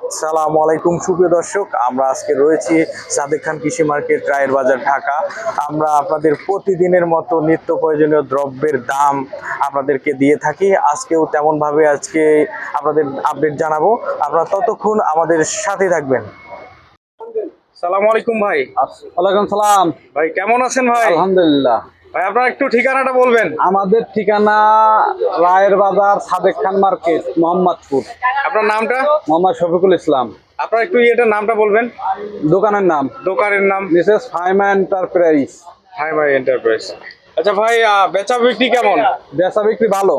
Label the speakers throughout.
Speaker 1: আসসালামু আলাইকুম সুপ্রিয় দর্শক, আমরা আজকে রয়েছি সাদেক খান কৃষি মার্কেট, রায়ের বাজার, ঢাকা। আমরা আপনাদের প্রতিদিনের মতো নিত্য প্রয়োজনীয় দ্রব্যের দাম আপনাদেরকে দিয়ে থাকি। আজকেও তেমনভাবে আজকে আপনাদের আপডেট জানাবো। আপনারা ততক্ষণ আমাদের সাথে থাকবেন। আসসালামু আলাইকুম ভাই।
Speaker 2: ওয়ালাইকুম সালাম।
Speaker 1: ভাই কেমন আছেন ভাই?
Speaker 2: আলহামদুলিল্লাহ।
Speaker 1: ভাই আপনার একটু ঠিকানাটা বলবেন।
Speaker 2: আমাদের ঠিকানা রায়ের বাজার, সাদেক খান মার্কেট, মোহাম্মদপুর।
Speaker 1: আপনার নামটা?
Speaker 2: মোহাম্মদ শফিকুল ইসলাম।
Speaker 1: আপনার একটু নামটা বলবেন।
Speaker 2: দোকানের নাম
Speaker 1: দোকানের নাম
Speaker 2: Mrs Faima enterprise.
Speaker 1: Hi Bhai enterprise. আচ্ছা ভাই, বেচা বিক্রি কেমন?
Speaker 2: বেচা বিক্রি ভালো।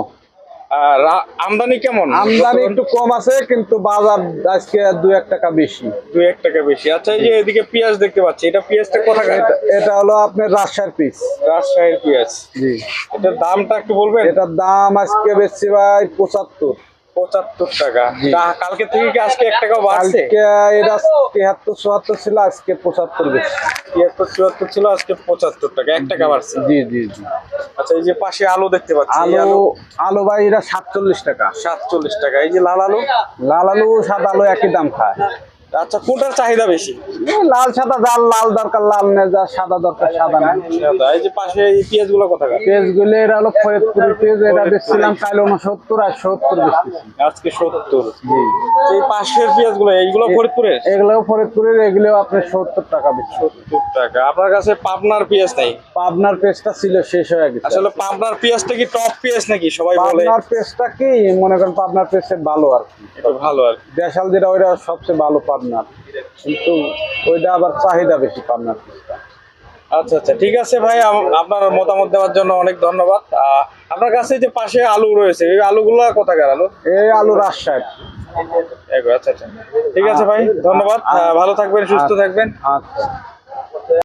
Speaker 1: আমদানি কেমন?
Speaker 2: আমদানি একটু কম আছে, কিন্তু বাজার আজকে 2-1 টাকা বেশি।
Speaker 1: 2-1 টাকা বেশি। আচ্ছা, এই যে এদিকে পেঁয়াজ দেখতে পাচ্ছি, এটা পেঁয়াজটা কোথাকার?
Speaker 2: এটা হলো আপনার রাজশাহীর পিস।
Speaker 1: রাজশাহীর পেঁয়াজ।
Speaker 2: জি।
Speaker 1: এটার দামটা একটু বলবেন।
Speaker 2: এটার দাম আজকে বেশি ভাই 75
Speaker 1: টাকা। কালকে থেকে কি আজকে 1 টাকাও বাড়ছে?
Speaker 2: কালকে এটা 73-74 ছিল, আজকে 75 বেশি।
Speaker 1: 73-74 ছিল, আজকে 75 টাকা, 1 টাকা বাড়ছে।
Speaker 2: জি জি জি।
Speaker 1: আচ্ছা, এই যে পাশে আলু দেখতে পাচ্ছি,
Speaker 2: আলু ভাই এটা 47 টাকা।
Speaker 1: 47 টাকা। এই যে লাল আলু?
Speaker 2: লাল আলু সাদা আলু একই দাম খায়।
Speaker 1: আচ্ছা, কোনটার চাহিদা বেশি?
Speaker 2: লাল সাদা, যার লাল দরকার লাল নেই, যার সাদা দরকার সাদা নেই।
Speaker 1: এই যে পাশে এই পেঁয়াজ গুলো কোথাকার?
Speaker 2: পেঁয়াজ গুলো এটা হলো ফরিদপুরের পেঁয়াজ। এটা বেচছিলাম কাল 69 আর 70 বেচতেছি
Speaker 1: আজকে 70। এই পাশের পেঁয়াজ গুলো, এইগুলো ফরিদপুরের?
Speaker 2: এগুলো ফরিদপুরের, এগুলো আপনার 70 টাকা বেচছি।
Speaker 1: 70 টাকা। আপনার কাছে পাবনার পেঁয়াজ নাই?
Speaker 2: পাবনার পেঁয়াজটা ছিল, শেষ হয়ে গেছে।
Speaker 1: আসলে পাবনার পেঁয়াজটা কি টপ পেঁয়াজ নাকি সবাই বলে?
Speaker 2: পাবনার পেঁয়াজটা কি মনে করেন, পাবনার পেঁয়াজটা ভালো আর কি,
Speaker 1: এটা ভালো আর কি।
Speaker 2: দেশাল যেটা ওইটা সবচেয়ে ভালো পাবনার, কিন্তু ওইটা আবার চাহিদা বেশি পাবনার পেঁয়াজটা।
Speaker 1: আচ্ছা আচ্ছা, ঠিক আছে ভাই, আপনার মতামত দেওয়ার জন্য অনেক ধন্যবাদ। আপনার কাছে যে পাশে আলু রয়েছে, এই আলুগুলো কোথাকার আলু?
Speaker 2: এই আলু রাজশাহী।
Speaker 1: আচ্ছা আচ্ছা, ঠিক আছে ভাই, ধন্যবাদ। ভালো থাকবেন, সুস্থ থাকবেন।
Speaker 2: আচ্ছা।